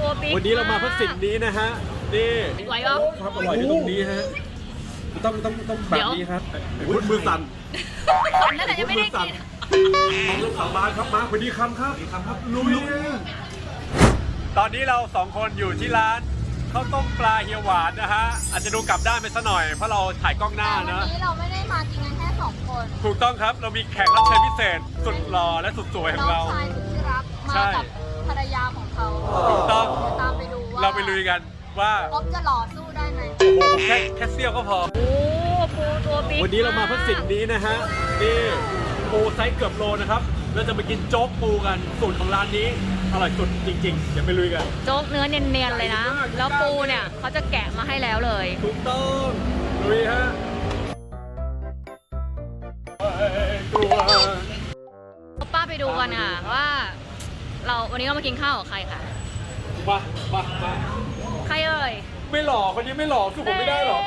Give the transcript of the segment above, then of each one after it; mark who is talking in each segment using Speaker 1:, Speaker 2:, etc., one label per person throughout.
Speaker 1: วันนี้เรามาเพื่อสิ่งนี้นะฮะนี่
Speaker 2: ไหวปะ
Speaker 1: ความอร่อยที่ตรงนี้ฮะต้องแบบนี้ครับพุทมือสั่น
Speaker 2: นั่นแหละยังไม่ได้กิน
Speaker 1: ลูกสาวบ้านครับมาสวัสดีคำครับลุยตอนนี้เรา2คนอยู่ที่ร้านข้าวต้มปลาเฮียหวานนะฮะอาจจะดูกลับด้านไปซะหน่อยเพราะเราถ่ายกล้องหน้า
Speaker 2: แต่
Speaker 1: นะ
Speaker 2: วันนี้เราไม่ได้มากินกันแค่2 คน
Speaker 1: ถูกต้องครับเรามีแขกรับเชิญพิเศษสุดหล่อและสุดสวยของ
Speaker 2: น้อง
Speaker 1: เรา
Speaker 2: ชายสุดที่รักมา
Speaker 1: ใช่
Speaker 2: กับภรรยาของเขา
Speaker 1: ถูกต้อง
Speaker 2: เดี๋ยวตามไปดูว่า
Speaker 1: เราไปลุยกันว่า
Speaker 2: อ๊อฟจะหล่อสู้ได้ไหม
Speaker 1: โอ้โหแค่เสี้ยวก็พอ
Speaker 2: โอ้ปูตัวบิ๊ก
Speaker 1: วันนี้เรามาเพื่อสิ่งนี้นะฮะนี่ปูไซส์เกือบโลนะครับเราจะมากินโจ๊กปูกันสูตรของร้านนี้อร่อยสุดจริงๆเดี๋ยวไปลุยกัน
Speaker 2: โจ๊กเนื้อเนียนๆเลยนะ แล้วปูเนี่ยเขาจะแกะมาให้แล้วเลย
Speaker 1: ถูกต้องลุยฮะตัว
Speaker 2: ป้าไปดูกันค่ะว่าวันนี้เรามากินข้าวกับใครคะ
Speaker 1: มา
Speaker 2: ใครเอ่ย
Speaker 1: ไม่หล่อคนนี้ไม่หล่อสู้ผมไม่ได้หรอก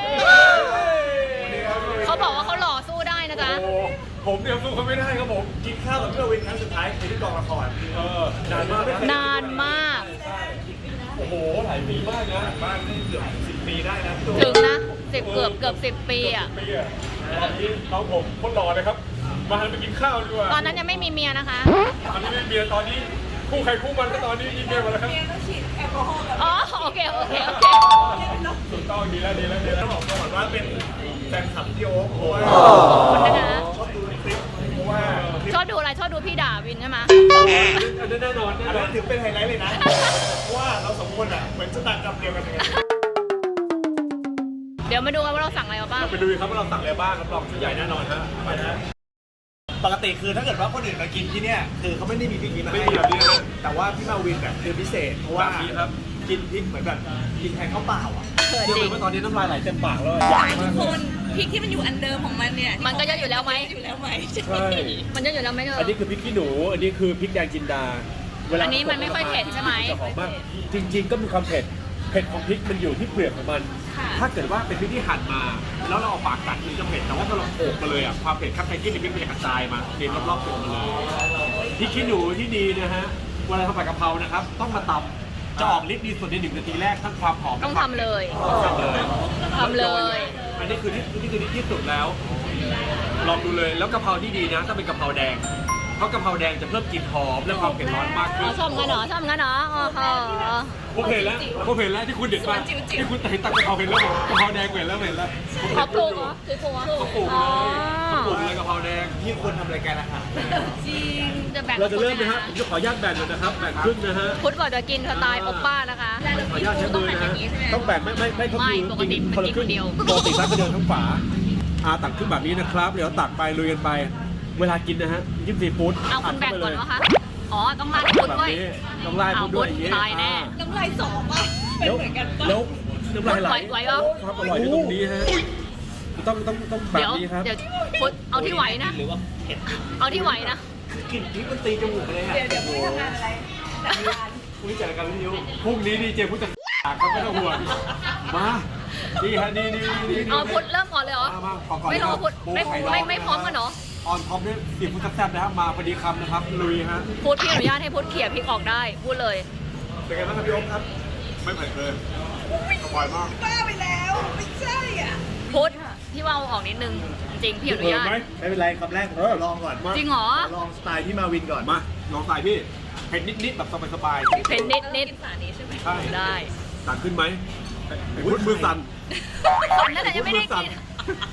Speaker 2: เขาบอกว่าเขาหล่อสู้ได้นะจ๊ะ
Speaker 1: โอ้ผมเดี๋ยวสู้เขาไม่ได้ครับผม
Speaker 3: กินข้าวกับเพื่อนวินครั้งสุดท้ายคือที่กองละคร
Speaker 1: นานมาก
Speaker 2: นานมาก
Speaker 1: โอ้โหหลายปีมากนะ
Speaker 3: บ้านนี่เกือบ10 ปีได้นะ
Speaker 2: ถึงนะเกือบ10 ปีอ่ะ
Speaker 1: ปีอะตอนนี้น้องผมคนหล่อเลยครับมาหันไปกินข้าวดีกว่า
Speaker 2: ตอนนั้นยังไม่มีเมียนะคะ
Speaker 1: ตอนนี้ไม่มีเมียตอนนี้คู่ใครคู่มันก็ตอนนี้มีเมียหมดแล้วครับ
Speaker 2: อ๋อโอเค
Speaker 1: ถูกต้องดีแล้ว
Speaker 3: ต้องบอกก่อนว่าเป็นแฟนคลับพี่โอ๊คเพราะว่า
Speaker 2: ขอบคุณนะคะ
Speaker 3: ชอบดูในคลิปเพราะว่าคลิป
Speaker 2: ชอบดูอะไรชอบดูพี่ด่าวินใช่ไหม
Speaker 1: อันนั้นแน่นอน
Speaker 3: อันนั้นถือเป็นไฮไลท์เลยนะ เพราะว่าเราสองคนอ่ะเหมือนชะตากรรมเดียวกันเลย
Speaker 2: เดี๋ยวมาดูกันว่าเราสั่งอะไรมาบ้าง
Speaker 1: ไปดูครับว่าเราสั่งอะไรบ้างรับรองชุดใหญ่แน่นอนฮะไปนะ
Speaker 3: ปกติคือถ้าเกิดว่าคนอื่นมากินที่เนี่ยคือเขาไม่ได้มีพริกนี้มา
Speaker 1: ไม่
Speaker 3: ให้
Speaker 1: มีแบบนี้นะ
Speaker 3: แต่ว่าพี่มาวินเนี่ยคือพิเศษเพราะว่า
Speaker 1: แบบนี้ครับ
Speaker 3: กินพริกเหมือนแบบกินแทนข้าวเปล่าอ่ะ
Speaker 2: เขิน
Speaker 1: เชื่อ
Speaker 2: จริง
Speaker 1: ไหมว่าตอนนี้น้ำลายไหลเต็มปากเลย
Speaker 4: ทุกคนพริกที่มันอยู่อันเดิมของมันเนี่ย
Speaker 2: มันก็เยอะอยู่แล้วไหม
Speaker 4: อยู่แล้วไหม
Speaker 1: ใช่
Speaker 2: มันเยอะอยู่แล้วไหมเธอ
Speaker 1: อันนี้คือพริกขี้หนู อันนี้คือพริกแดงจินดาเวลา
Speaker 2: อันนี้มันไม่ค่อยเผ็ดใช่ไหม
Speaker 1: จะหอมมากจริง ๆ ก็มีความเผ็ดของพริกมันอยู่ที่เปลือกของมัน ถ้าเกิดว่าเป็นพริกที่หั่นมา แล้วเราเอาปากกัดมันจะเผ็ดแต่ว่าถ้าเราโขกมาเลยอ่ะความเผ็ดข้างในที่มันจะกระจายมาเต็มรอบๆตัวมันเลยพริกขี้หนูที่ดีนะฮะเวลาทำผัดกะเพรานะครับต้องมาตำจะออกฤทธิ์ดีสุดใน1 นาทีแรกทั้งความหอม
Speaker 2: ต้องทำเลย
Speaker 1: ทำเลย
Speaker 2: ทำเลย
Speaker 1: อันนี้คือที่สุดแล้ว ลองดูเลยแล้วกะเพราที่ดีนะต้องเป็นกะเพราแดงเพราะกะเพราแดงจะเพิ่มกลิ่นหอมและความเผ็ดร้อนมากขึ้
Speaker 2: อ๋
Speaker 1: น
Speaker 2: อชอบงั้นเหรอชอบงั้นเหรออ๋อค่ะ
Speaker 1: ผมเห็นแล้วที่คุณเด็ดมาที่คุณเห็นตักกะเพราเห็นแล้วกะเพราแดงเห็นแล้ว
Speaker 2: เขาปลูกเหรอคือปลูกเหรอ
Speaker 1: เขาปลูก
Speaker 2: อ๋อ
Speaker 1: เลยกะเพราแดง
Speaker 3: ที่ควรทำรายการอาหาร
Speaker 4: จริง
Speaker 2: จะแบ่ง
Speaker 1: เราจะเริ่มนะฮะผมจะขออนุญาตแบ่งเลยนะครับแบ่งครึ่งนะฮะ
Speaker 2: พุทธบอกจะกินสไตล์โอป้านะคะ
Speaker 1: ขออนุญาตใช้มือนะฮะต้องแบ่งไม่ก็คือ
Speaker 2: ไม่ปกติมันกินคนเดียว
Speaker 1: ปกติร้านก็เดินทั้งฝาตักขึ้นแบบนี้นะครับเดี๋ยวตักไปลุยกันไป เวลากินนะฮะจิ้มซีฟู้ด
Speaker 2: เอาคุณแบ่งก่อนวะคะอ๋อต้องราดพุทธ
Speaker 1: แบบ
Speaker 2: ด้วย
Speaker 1: นี้ต้องไล่พุ้ดด้วยอย่างนี้
Speaker 2: ตายแน่
Speaker 4: น้ำลายสองอ่ะเป็น
Speaker 1: แล้ว
Speaker 4: เหมือนกันปะ
Speaker 1: แล้วน้ำลายไหล
Speaker 2: ไหวปะ
Speaker 1: ความอร่อยที่ตรงนี้ฮะต้องแบบ
Speaker 2: เดี๋ยว
Speaker 1: นี้ครับ
Speaker 2: เดี๋ยวพุทธเอาที่ไหวนะ
Speaker 3: หรือว่าเผ็ด
Speaker 2: เอาที่ไหวนะ
Speaker 3: กลิ่นพริกมันตีจมูกเลยอ่ะ
Speaker 4: เดี๋ยวพรุ่งนี้ทำงานอะไรจัดงาน
Speaker 3: คุณจัดรายการวิทยุ
Speaker 1: พรุ่งนี้ดีเจพุทธครับไม่ต้องห่วงมานี่ฮะนี่
Speaker 2: เอาพุทธเริ่มก่อนเลยเหรอ
Speaker 1: มาก่อน
Speaker 2: ไม่รอพุทธไม่พร้อมกันเหรอ
Speaker 1: ออนท็อปด้วยสีพุทธแซ่บนะครับมาพอดีคำนะครับลุยฮะ
Speaker 2: พุทธพี่อนุญาตให้พุทธเขี่ยพริกออกได้พูดเลย
Speaker 3: เป็นไงบ้างครับพี่โอ๊คครับ
Speaker 1: ไม่เผ็ดเลยอร่อยมาก
Speaker 4: บ้าไปแล้วไม่ใช่อ่ะ
Speaker 2: พุทธพี่ว่าเอาออกนิดนึงจริงพี่อนุญาต
Speaker 3: ไม่เป็นไรคำแรกผมขอลองก่อน
Speaker 2: จริงเหรอ
Speaker 3: ลองสไตล์พี่มาวินก่อน
Speaker 1: มาลองใส่พี่เผ็ดนิดๆแบบสบาย
Speaker 2: เผ็ดนิด
Speaker 4: กินฝานี้ใช่ไหม
Speaker 1: ๆใช่
Speaker 2: ได้
Speaker 1: สั่นขึ้นไหมพุทธมือสั่น
Speaker 2: นั่นแหละยังไม่ได้กิน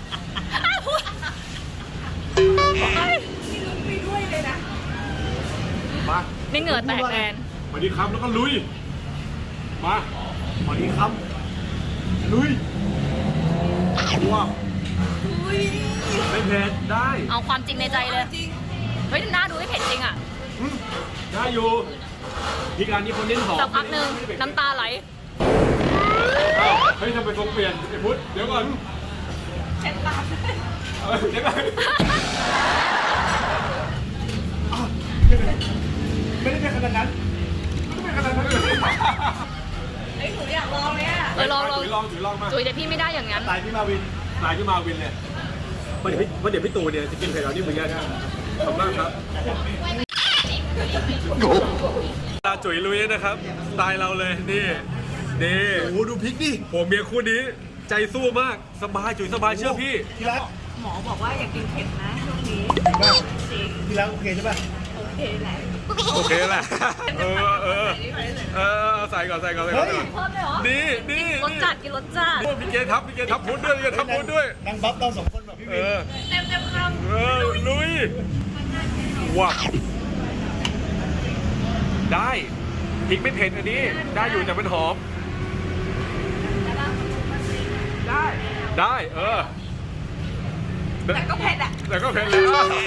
Speaker 4: มีลุ้นไปด้วยเลยนะ
Speaker 1: มา
Speaker 2: นี่เหงื่อแตกแทน
Speaker 1: พอดีคำแล้วก็ลุยมา
Speaker 3: พอดีคำลุย
Speaker 1: ว้าวไม่เผ็ดได้
Speaker 2: เอาความจริงในใจเลย
Speaker 4: จริง
Speaker 2: เฮ้ยหน้าดูไม่เผ็ดจริงอ่ะ
Speaker 1: ได้อยู่พริกร้านนี้คนเน้นหอม
Speaker 2: สักพักหนึ่งน้ำตาไหล
Speaker 1: อ้าวเฮ้ยทำไมทรงเปลี่ยนไอ้พุทธเดี๋ยวก่อน
Speaker 4: เช็ดปาก
Speaker 1: เดี๋ยวก่อน
Speaker 3: ไม่ได้เป็นขนาดนั้น
Speaker 1: ไม่ขนาดนั้นเลย
Speaker 4: ไอ้ยหนูอยากลองเลยอ่ะ
Speaker 2: ลอง
Speaker 1: ถือลองมา
Speaker 2: จุ๋ยแต่พี่ไม่ได้อย่างนั้น
Speaker 3: สไตล์พี่มาวิน
Speaker 1: ลายขึ้นมาวินเลยเพราะเดี๋ยวพี่ตู่เนี่ยจะกินเผ็ดเรานี่เหมือนกันนะขอบคุณมากครับตาจุ๋ยลุยนะครับสไตล์เราเลยนี่นี่
Speaker 3: โอ้โหดูพริกดิ
Speaker 1: ผมเมียคู่นี้ใจสู้มากสบายจุ๋ยสบายเชื่อพี่
Speaker 3: ที่รัก
Speaker 4: หมอบอกว่าอย่ากินเผ็ดนะช่วงนี้
Speaker 3: จริงป่ะ
Speaker 4: จริง
Speaker 3: ที่รักโอเคใช่ป่ะ
Speaker 4: โอเคแหละ
Speaker 1: โอเคแหละใส่ก่อน
Speaker 3: เฮ้ย
Speaker 2: เพิ่มเลยเหรอ
Speaker 1: นี่นี่
Speaker 2: รสจัดกินรสจัด
Speaker 1: พี่เกทับพุทธด้วยพี่เกทับพุทธด้วย
Speaker 3: นั่งบัฟเราสองคนแบบพี่วิน
Speaker 4: เต็มคำ
Speaker 1: ลุยว้าได้พริกไม่เผ็ดอันนี้ได้อยู่แต่มันหอมได้
Speaker 4: แต่ก็เผ็ดอ่ะ
Speaker 1: แต่ก็เผ็ดเลย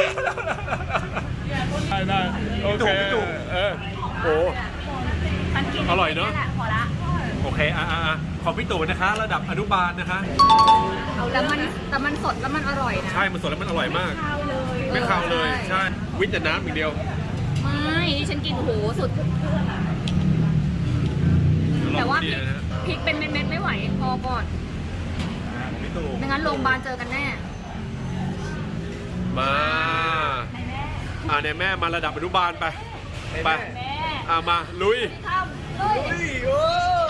Speaker 1: ได้โอเคโอ้
Speaker 2: มันกิน
Speaker 1: อร่อยเนอะ
Speaker 2: แหละพอละ
Speaker 1: โอเคของพี่ตู่นะคะ ระดับอนุบาลนะคะ
Speaker 2: แต่มันสดแล้วมันอร่อยนะ
Speaker 1: ใช่มันสดแล้วมันอร่อยมาก
Speaker 2: ข้าวเลย
Speaker 1: ไม่ข้าวเลยใช่วิจน้ำอย่างเดียว
Speaker 2: ไม่นี่ฉันกินโอ้โหสุด แต่ว่า
Speaker 1: ดีนะฮะ
Speaker 2: พริกเป็นเม็ดๆไม่ไหวพอก่อน
Speaker 3: ของพี่ตู่
Speaker 2: ไม่งั้นโรงพยาบาลเจอกันแน่
Speaker 1: มาในแม่มาระดับอนุบาลไป
Speaker 2: แม่
Speaker 1: มาลุย
Speaker 2: ข้าวเลย
Speaker 3: เฮ้ยโอ้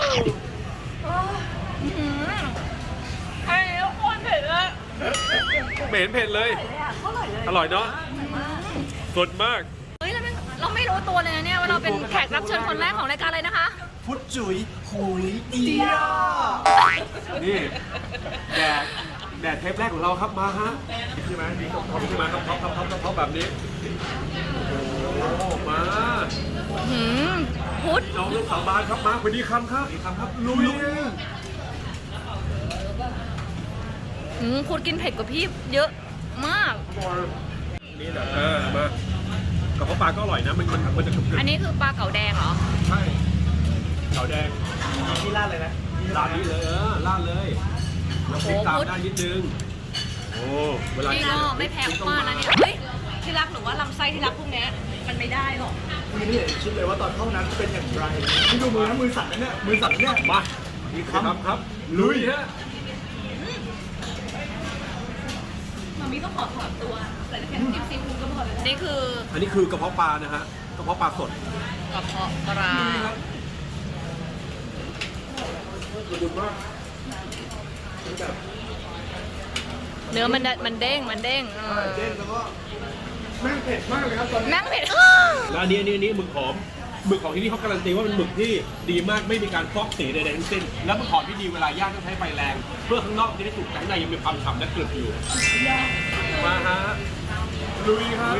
Speaker 4: ไอ้ทุกคนเผ็ดเลย
Speaker 1: ไม่เห็นเผ็ดเลย อร่อยเนาะสดมาก
Speaker 2: เฮ้ยเราไม่รู้ตัวเลยนะเนี่ยว่าเราเป็นแขกรับเชิญคนแรกของรายการเลยนะคะ
Speaker 3: พุทธจุ๋ยหุยเดีย
Speaker 1: นี่แดดเทปแรกของเราครับมาฮะใช่ไหมมีท็อปใช่ไหมท็อปแบบนี้โอ้มา
Speaker 2: หืมพุทธ
Speaker 1: น้องลูกสาวบ้านครับมาสวัสดีครับลุย
Speaker 2: พุทธกินเผ็ดกว่าพี่เยอะมาก
Speaker 1: นี่แหละมากระเพาะปลาก็อร่อยนะมันจะกรึบ
Speaker 2: อันนี้คือปลาเก๋าแดงเหรอ
Speaker 1: ใช่ขาวแดง
Speaker 3: ที่ราดเลยนะ
Speaker 1: ราดนี้เลยราดเลยแล้วพริกตามได้นิดนึงโอ้เวลา
Speaker 2: นี่ก็ไม่แพงมากนะเนี่ย เฮ้ย
Speaker 4: ที่รักหนูว่าลำไส้ที่รักพวกเนี้ยมันไม่ได้หรอก
Speaker 3: พี่นี่คิดเลยว่าตอนเข้านั้นเป็นอย่างไรพี่ดูมือนะมือสั่นนะเนี่ยมือสั่นเนี่ย
Speaker 1: มามีครับลุยฮะ
Speaker 4: มามีก็ขอถอนตัวใส่แค่จิ้มซีฟู้ดก็พอเลย
Speaker 2: นี่คือ
Speaker 1: อันนี้คือกระเพาะปลานะฮะกระเพาะปลาสด
Speaker 2: กระเพาะปลา เนื้อมันเด้ง
Speaker 3: เด้งแล้วก็แม่งเผ็ดมากเลยครับตอนนี้
Speaker 2: แม่งเผ็ด
Speaker 1: แล้วอันนี้หมึกหอมหมึกของที่นี่เขาการันตีว่าเป็นหมึกที่ดีมากไม่มีการฟอกสีใดๆทั้งสิ้นแล้วหมึกหอมที่ดีเวลาย่างต้องใช้ไฟแรง เพื่อข้างนอกจะได้สุกแต่ข้างในยังมีความฉ่ำและกรึบอยู่มาฮะลุยครับ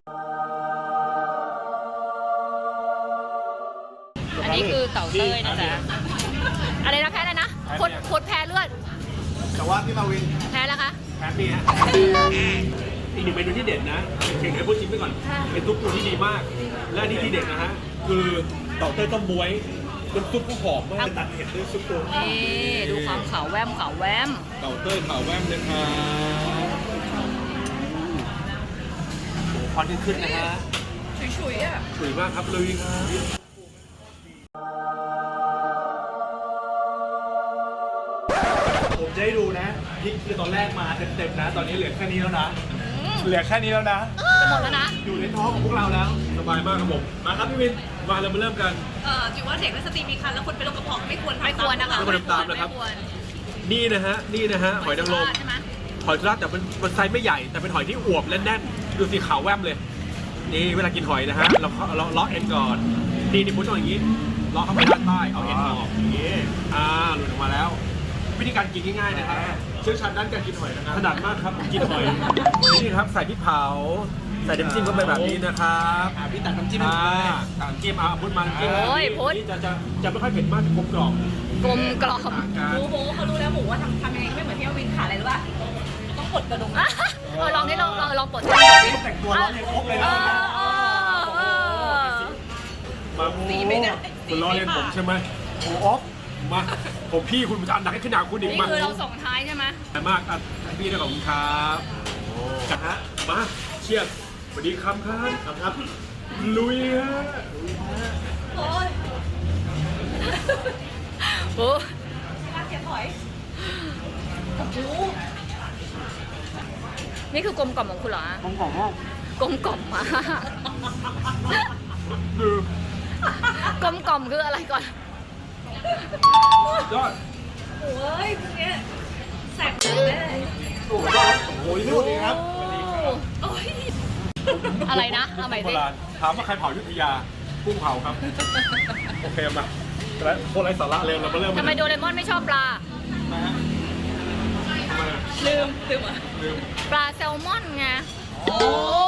Speaker 2: อันนี้คือเต่าเต้ยนะจ๊ะ อะไรนะแพ้อะไรนะพดแพ้เลือด
Speaker 3: แต่ว่าพี่มาวิน
Speaker 2: แพ้แล้วคะ
Speaker 1: แป๊บนี้ฮะอีกหนึ่งเมนูที่เด็ดนะเข่งให้พูดชิมไปก่อนเป็นซุปปูที่ดีมาก และอันนี้ที่เด็ดนะฮะคือเต่าเต้ยต้มบ๊วยน้ำซุปก็หอมมากตัดเผ็ดด้วยซุปตัว
Speaker 2: นี่ดูความขาวแวม
Speaker 1: เต่าเต้ยขาวแวมเลยครับโอ้ควันขึ้นนะฮะ
Speaker 4: ฉุยๆอ่ะ
Speaker 1: สวยมากครับลุยครับ
Speaker 3: ผมจะให้ดูนะพริกคือตอนแรกมาเต็มๆนะ ตอนนี้เหลือแค่นี้แล้วนะเหลือแค่นี้แล้วนะ
Speaker 2: จะหมดแล้วนะ
Speaker 3: อยู่ในท้องของพวกเราแล้ว
Speaker 1: สบายมากครับผมมาครับพี่วินมาเรามาเริ่มกัน
Speaker 4: จิ๋วว่าเด็กและสตรีมีคันแล้วคนเป็นโรคกระเพาะไม่ควร
Speaker 2: ไม่ควรนะคะ
Speaker 1: ไม่ควรทำตามนะครับ
Speaker 2: ไม่ควร
Speaker 1: นี่นะฮะหอยนางรม
Speaker 2: ใช่ไหม
Speaker 1: หอยทากแต่มันไซส์ไม่ใหญ่แต่เป็นหอยที่อวบและแน่นดูสีขาวแวมเลยนี่เวลากินหอยนะฮะเราเลาะเอ็นก่อนนี่พุทธต้องอย่างนี้เลาะเข้าไปด้านใต้เอาเอ็นออกอย่างนี้หลุดออกมาแล้ว วิธีการกินง่ายๆนะครับเชี่ยวชาญด้านการกินหอยนะครับถนัดมากครับผมกินหอยนี่ครับใส่พริกเผาใส่น้ำจิ้มเข้าไปแบบนี้นะครับ
Speaker 3: พี่ตักน้ำจิ้ม
Speaker 1: ตักน้ำจิ้มพุทธมาน้ำจิ้ม
Speaker 2: โอ้ยพุทธ
Speaker 1: นี่จะไม่ค่อยเผ็ดมากกลมกล่อม
Speaker 2: กลมกล่อม
Speaker 4: หมูเขารู้แล้วหมูว่าทำยังไงไม่เหมือนที่วินขาดอะไรหรือว่าต้องกดกระดุม
Speaker 2: ลองนี่ลองปลดดิ
Speaker 3: แต่งตัวร้อนเลยครบเลยนะ
Speaker 1: มา
Speaker 4: สีไม่ได้
Speaker 1: คุณล้อเล่นผมใช่ไหมโอ้ออฟมาผมพี่คุณจะอันหนักให้ขึ้นหนาคุณอีก
Speaker 2: นี่
Speaker 1: มา
Speaker 2: คือเราส่งท้ายใช่ไหม
Speaker 1: แต่มากพี่ได้ของคุณครับจัดฮะมาเชียร์สวัสดีครับครับลุยฮะ
Speaker 4: โอ้ย
Speaker 2: โอ้
Speaker 4: มาเก็บหอยโอ้โห
Speaker 2: นี่คือกลมกล่อมของคุณเหรอ
Speaker 3: ผมของ
Speaker 2: กลมกล่อมมาก
Speaker 1: คือ
Speaker 2: กลมกล่อมคืออะไรก่อน
Speaker 1: ยอด
Speaker 4: โอ้ยพวกเนี้ยแสบหูแน่เลย
Speaker 1: โอ้โหโอ้ย
Speaker 3: สวัสดีครับ
Speaker 4: โอ้ย
Speaker 2: อะไรนะเอาใหม่
Speaker 1: โบ
Speaker 2: สิ
Speaker 1: ราณถามว่าใครเผาอยุธยากุ้งเผาครับ โอเคมาแล้วโคตรไร้สาระเลยเรามาเริ่ม
Speaker 2: ทำไมโดเรมอนไม่ชอบปลา
Speaker 3: มาฮะ
Speaker 1: ทำไมอะ
Speaker 4: ลืมอ่ะ
Speaker 1: ลืม
Speaker 2: ปลาแซลมอนไง โอ้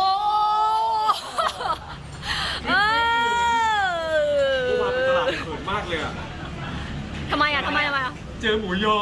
Speaker 2: เอ
Speaker 1: กุ้งมาเป็นตลาด
Speaker 2: อ
Speaker 1: เขินมากเลยอะ
Speaker 2: ทำไมอ่ะ
Speaker 1: เจอหมูยอ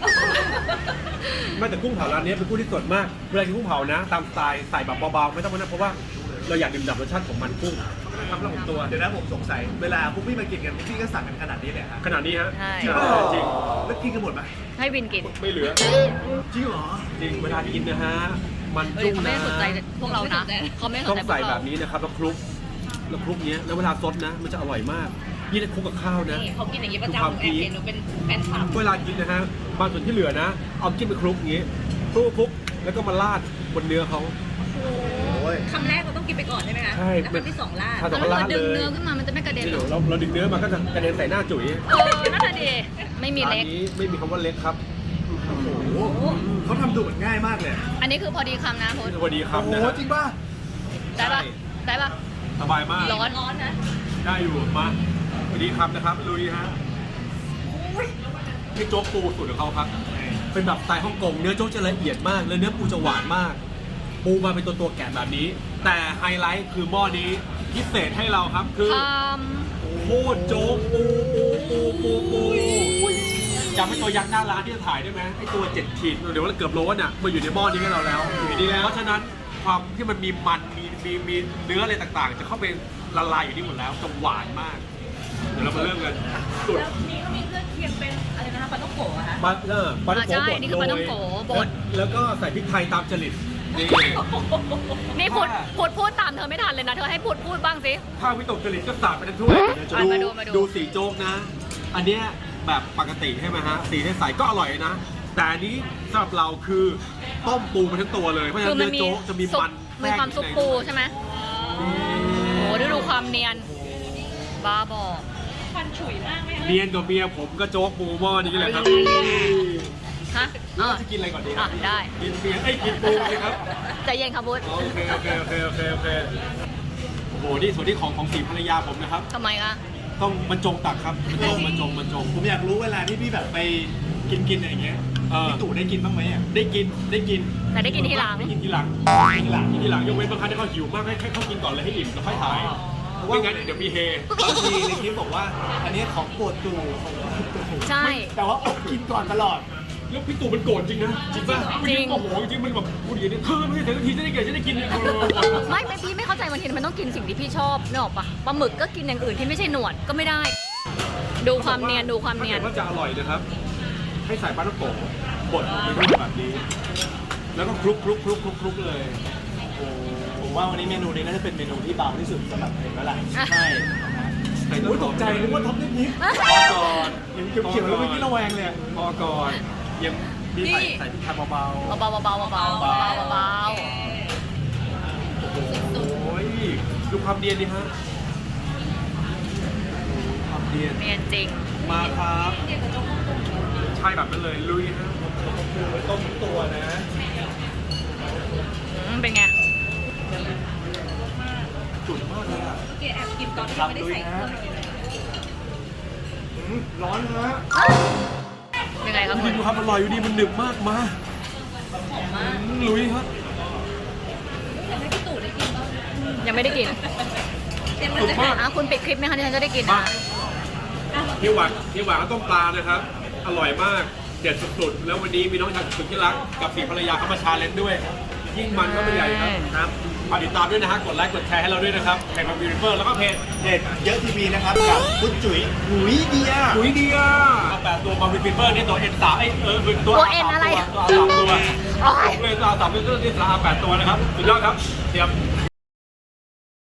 Speaker 1: ไม่แต่กุ้งเผาร้านนี้เป็นกุ้งที่สดมากเวลากินกุ้งเผานะ ตามสไตล์ใส่แบบเบาๆไม่ต้องมานั่นเพราะว่าเราอยากดื่มด่ำรสชาติของมันกุ้งทำแล้วผมตัว
Speaker 3: เดี๋ยวนะผมสงสัย เวลาพวกพี่มากินกันพวกพี่ก็สั่งกันขนาดนี้เลยฮะ
Speaker 1: ขนาดนี้ฮะ
Speaker 2: ใช่
Speaker 1: จริงจริง
Speaker 3: แล้วกินกันหมดไหม
Speaker 2: ให้วินกิน
Speaker 1: ไม่เหลือ
Speaker 3: จริงเหรอ
Speaker 1: จริงเวลากินนะฮะมัน
Speaker 2: เฮ้ย
Speaker 1: จุ้ง
Speaker 2: เขาไม่
Speaker 1: นะ
Speaker 2: ได้สนใจพวกเรานะเขาไม่ได้ส
Speaker 1: ต้อน ง
Speaker 2: ใจพว
Speaker 1: ใส่
Speaker 2: ก
Speaker 1: แบ
Speaker 2: เรา
Speaker 1: บนี้นะครับแล้วคลุกเนี้ยแล้วเวลาซดนะ มันจะอร่อยมากยิ่งคลุกกับข้าวนะ
Speaker 4: นี่เขากินอย่างนี้ประจำแอบเห็นหนูเป็นแฟนคลับ
Speaker 1: เวลากินนะฮะบางส่วนที่เหลือนะ เอาจิ้มไปคลุกอย่างงี้คลุกแล้วก็มาราดบนเนื้อเขา
Speaker 3: โอ้ย
Speaker 4: คำแรกเราต้องกินไปก่อนใช่ไหมคะ
Speaker 1: ใช่
Speaker 4: แล้วคำที่สองลาด
Speaker 1: ถ้า
Speaker 2: แล้ว
Speaker 1: ต้อง
Speaker 2: เรา
Speaker 1: ราด
Speaker 2: ดึง
Speaker 1: เลย
Speaker 2: เนื้อขึ้นมามันจะไม่กระเด็น
Speaker 1: นี่
Speaker 2: หรอ
Speaker 1: เราดึงเนื้อมาก็จะกระเด็นใส่หน้าจุ๋ย
Speaker 2: น่าจะดี ไม่มีเล็ก
Speaker 1: ร้านนี้ไม่มีคำว่าเล็กครับ
Speaker 3: โอ้โหเขาทำดูเหมือนง่ายมากเลย
Speaker 2: อันนี้คือพอดีคำนะพุทธ
Speaker 1: สวัสดีครับ
Speaker 3: โอ้โห
Speaker 1: นะฮะ
Speaker 3: จริงป่ะ
Speaker 2: ได้ปะได้ปะ
Speaker 1: สบายมาก
Speaker 2: ร้อน
Speaker 4: ร้อนนะ
Speaker 1: ได้อยู่มาสวัสดีครับนะครับลุยฮะนี่โจ๊กปูสูตรของเขาครับ เป็นแบบสไตล์ฮ่องกงเนื้อโจ๊กจะละเอียดมากแล้วเนื้อปูจะหวานมาก ปูมาเป็นตัวแกะแบบนี้ แต่ไฮไลท์คือหม้อนี้พิเศษให้เราครับคือ
Speaker 2: ค
Speaker 1: โคตรโจ๊กปูจำไอ้ตัวยักษ์หน้าร้านที่จะถ่ายได้ไหมไอ้ตัว7ขีดเดี๋ยวเกือบโลน่ะมาอยู่ในหม้อนี้ให้เราแล้วอยู่ในนี้แล้วเพราะฉะนั้นความที่มันมีมันมีเนื้ออะไรต่างๆ จะเข้าไปละลายอยู่นี่หมดแล้วจะหวานมากเดี๋ยวเรามาเริ่มกันสุด
Speaker 4: แล้วนี่เขามีเครื่องเคียงเป็นอะไรนะคะปลาต้องโกะอะคะ
Speaker 1: ปลาปลา
Speaker 2: ำ
Speaker 1: ท่องโก
Speaker 2: ใช่
Speaker 1: บด
Speaker 2: นี่คือปลาต้องโกบด
Speaker 1: แล้วก็ใส่พริกไทยตามจริตนี่
Speaker 2: นี่พูดตามเธอไม่ทันเลยนะ เธอให้พูดบ้างสิ
Speaker 1: ข้าววิตกจริตก็สาดไปทั้งถ้วย
Speaker 2: มาดู
Speaker 1: ดูสีโจ๊กนะ อันเนี้ยแบบปกติใช่ไหมฮะสีใสๆก็อร่อยนะ แต่อันนี้สำหรับเราคือต้มปูมาทั้งตัวเลยเพราะฉะ
Speaker 2: คื
Speaker 1: นั้
Speaker 2: อน มัน
Speaker 1: เนื้อ
Speaker 2: มี
Speaker 1: โจ๊กจะมี
Speaker 2: ซุป
Speaker 1: มัน
Speaker 2: มีความซุปปูใช่ไหมโอ้โหดูความเนียน บ้าบอ
Speaker 4: ควันฉุยมากไหมคะ
Speaker 1: เนียนกับเมียผมก็โจ๊กปูหม้อนี้แหละครับ
Speaker 2: ฮะ
Speaker 1: แล้วเราจะกินอะไรก่อนดี
Speaker 2: อ่ะได้
Speaker 1: กินเมียกินปูเลยครับ
Speaker 2: ใจเย็นครับพุทธ
Speaker 1: โอเคโอ้โหนี่ส่วนที่ของสีภรรยาผมนะครับ
Speaker 2: ทำไมคะ
Speaker 1: ต้องบรรจงตักครับบรรจง
Speaker 3: ผมอยากรู้เวลาที่พี่แบบไปกินอะไรอย่างเงี้ย
Speaker 1: เออ
Speaker 3: พี่ตู่ได้กินบ้างไหมอ่ะ
Speaker 1: ได้กิน
Speaker 2: แต่ได้กินทีหลัง
Speaker 1: ได้กินทีหลังยกเว้นบางครั้งที่เขาหิวมากให้เขากินก่อนเลยให้อิ่มแล้วค่อยถ่ายไม่งั้นเดี๋ยวมีเฮ
Speaker 3: บางทีในคลิปบอกว่า อันนี้ของโปรดตู่ของโปรดตู่
Speaker 2: ใช่
Speaker 3: แต่ว่าอดกินก่อนตลอด
Speaker 1: แล้วพี่ตู่มันโกรธจริงนะจริงป่ะ
Speaker 2: จริง
Speaker 1: โอ้โหจริงมันแบบพูดอย่างนี้เธอไม่ได้เสร็จทีจะได้เกิดจะได้กิน
Speaker 2: ไม่พี่ไม่เข้าใจบางทีมันต้องกินสิ่งที่พี่ชอบนึกออกปะปลาหมึกก็กินอย่างอื่นที่ไม่ใช่หนวดก็ไม่ได้ ดูความเนียน
Speaker 1: ถ้าเกิดว่าจะอร่อยนะครับ ให้ใส่ปลาท่องโกะบดลงไปด้วยแบบนี้ แล้วก็คลุกเลย
Speaker 3: ผมว่าวันนี้เมนูนี้น่าจะเป็นเมนูที่เบาที่สุดสำหรับผมแล้วล่ะ
Speaker 2: อ่ะ
Speaker 3: ใช่
Speaker 1: ใส่
Speaker 3: โอ้ยตกใจนึกว่าท็อปนิดนิด
Speaker 1: พอก่อน
Speaker 3: ยังเขียวๆแล้วเมื่อกี้ระแวงเลย
Speaker 1: พอก่อนยังมีใส่พริกไทยเบา
Speaker 2: เบา
Speaker 1: ๆโอ้ยดูความเนียนดิฮะความเนียน
Speaker 2: เนียนจริง
Speaker 1: มาครับใช่แบบนั้นเลยลุยฮะ
Speaker 3: ต้มตัวนะ
Speaker 2: เป็นไง
Speaker 1: จุดมากเลยอ่ะ
Speaker 4: เกแอบกินตอนที่ไม่ได้ใส่เครื่องเลย
Speaker 3: ร้อนฮะ
Speaker 2: ยังไงครับ
Speaker 1: ดู
Speaker 2: คุ
Speaker 1: ดิ
Speaker 2: ณ
Speaker 1: ดูครับอร่อยอยู่ดีมันหนึบมากมา
Speaker 4: หอมมาก
Speaker 1: ลุยครับ
Speaker 4: แต่ให้พี่ตู่ได้กินบ้าง
Speaker 2: ยังไม่ได้กิน
Speaker 4: เต็มเลย
Speaker 2: อ่ะคุณปิดคลิปไหมคะที่ฉันจะได้กิน
Speaker 1: มา
Speaker 2: นะ
Speaker 1: ที่หวานก็ต้มปลานะครับ อร่อยมากเด็ดสุดๆแล้ววันนี้มีน้องชายสุดที่รักกับสีภรรยาเขามาชาเลนจ์ด้วย ยิ่งมันก็ไม่ใหญ่ครับฝากติดตามด้วยนะฮะกดไลค์กดแชร์ให้เราด้วยนะครับเพจของบิวเฟอร์แล้วก็เพจ
Speaker 3: เด็ดเยอะทีวีนะครับกับคุณจุ๋ยหุยเดีย
Speaker 1: ปุ๋ยเดียเอา8ตัวมาบิวเฟอร์นี่ตัว N3 ตัว
Speaker 2: ตัว N อะไร
Speaker 1: ตัว3ตัว
Speaker 2: โอ้ย
Speaker 1: เลยตัว3ตัวที่สาม8ตัวนะครับสุดยอดครับเตรียม